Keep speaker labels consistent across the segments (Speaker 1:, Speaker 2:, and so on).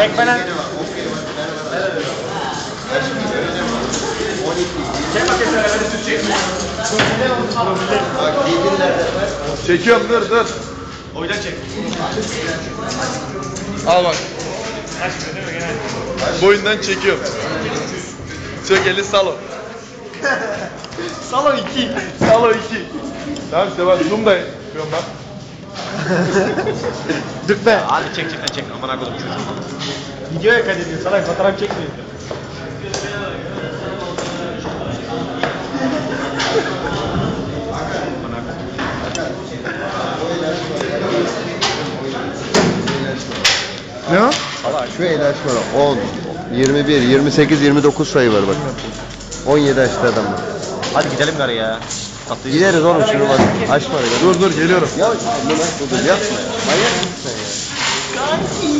Speaker 1: Çek bana. Çek bakayım sana beni süt çek.
Speaker 2: Çekiyorum dur.
Speaker 1: Oydan çek.
Speaker 2: Al bak.
Speaker 1: Açmıyor değil mi gene?
Speaker 2: Boyundan çekiyorum. Çek eli salo.
Speaker 1: Salon 2.
Speaker 2: Salo 2. Tamam işte bak zoom da yapıyorum bak.
Speaker 1: Dık be. Hadi çek. Aman akıllım çocuğum. Videoya kaydediyor. Sana fotoğraf çekmiyor.
Speaker 2: Ne o?
Speaker 3: Şu ilaç var 10, 21, 28, 29 sayı var bak. 17 açtı adam var.
Speaker 1: Hadi gidelim gari ya. Tatlıyı.
Speaker 3: Gideriz oğlum şunu bak. Açma ya.
Speaker 2: Dur geliyorum.
Speaker 3: Ya bunu dur yapma ya. Manyak mısın sen ya?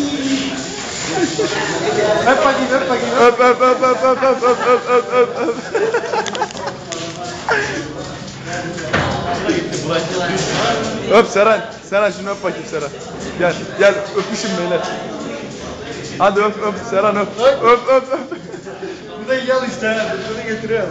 Speaker 1: Öp bakayım.
Speaker 2: Öp. Öp Seren. Seren şunu öp bakayım Seren. Gel öpüşün beyler. Hadi öp Seren öp. Öp.
Speaker 1: Bu da yal işte. Bunu getiriyor.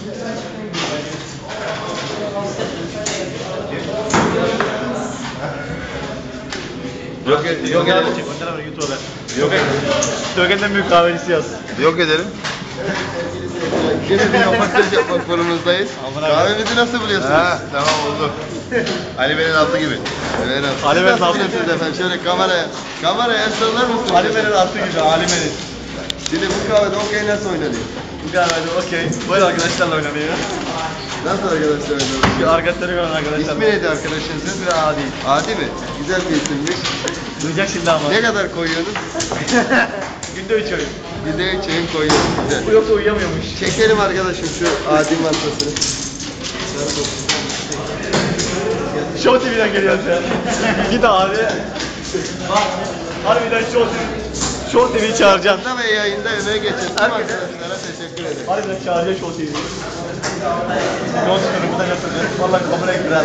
Speaker 1: Yok edelim. YouTube'a. Tögen'den büyük kahvecisi yaz.
Speaker 3: Yok edelim. Yine bir röportaj yapmak konumuzdayız. Kahvemizi nasıl buluyorsunuz?
Speaker 2: Ha, tamam oldu.
Speaker 3: Ali Bey'in altı gibi.
Speaker 1: Ali Bey'in altı
Speaker 3: gibi efendim. Şöyle kameraya el sallar mısınız?
Speaker 1: Alime'nin altı gibi, Alime'nin.
Speaker 3: Şimdi bu kahvede okey nasıl oynanıyor?
Speaker 1: Bu kahvede okey. Böyle arkadaşlarla oynanıyor.
Speaker 3: Nasıl arkadaşlar oynanıyor?
Speaker 1: Şu arkadaşları gören arkadaşlar.
Speaker 3: İsmi neydi arkadaşınızın?
Speaker 1: Adi.
Speaker 3: Adi mi? Güzel bir isimmiş.
Speaker 1: Duyacak şimdi ama.
Speaker 3: Ne kadar koyuyorsunuz?
Speaker 1: Günde 3 oyun.
Speaker 3: Bir de çayın koyuyoruz. Güzel.
Speaker 1: Bu yoksa uyuyamıyormuş.
Speaker 3: Çekelim arkadaşım şu adi masasını.
Speaker 1: Show TV'den geliyoruz ya. Git abi. Bak. Harbiden Show TV'yi çağıracaksın.
Speaker 3: Ve yayında emeğe geçen tüm
Speaker 1: Herkese-
Speaker 3: arkadaşlara teşekkür ederim.
Speaker 1: Harbiden çağıracaksın Show TV'yi. Yol çıkıyorum buradan götürüyorum. Vallahi kamera girer.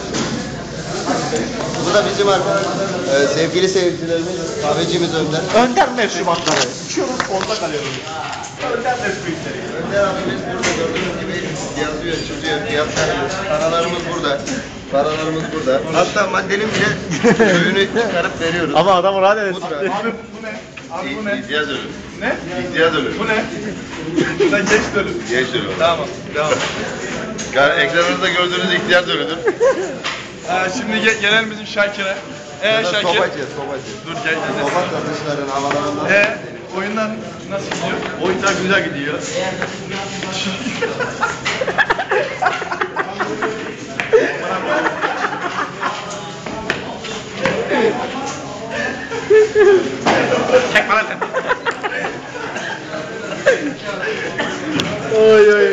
Speaker 3: Bu da bizim sevgili seyircilerimiz, kahvecimiz Önder.
Speaker 1: Önder meşrubatları. İçiyoruz, orada kalıyoruz. Önder meşrubatları.
Speaker 3: Önder abimiz burada gördüğünüz gibi yazıyor, çiziyor, fiyatlarımız, paralarımız burada. Hatta maddenin bile ürünü çıkarıp veriyoruz.
Speaker 1: Ama adam rahat edin.
Speaker 3: Pudra.
Speaker 1: Abi bu ne? Abi bu ne?
Speaker 3: İhtiyaç ürün.
Speaker 1: Ne?
Speaker 3: İhtiyaç ürün.
Speaker 1: Bu ne? Sen geç dönün.
Speaker 3: Geç ürün.
Speaker 1: Tamam, devam.
Speaker 3: Ekranınızda gördüğünüz ihtiyaç ürünü.
Speaker 2: Şimdi gelelim bizim Şakir'e. Şakir.
Speaker 3: Sobacı.
Speaker 2: Dur gel.
Speaker 3: Soba satışların havalarından.
Speaker 2: Oyundan nasıl gidiyor?
Speaker 1: Oyunlar güzel gidiyor. Çek bana sen.
Speaker 2: Oy.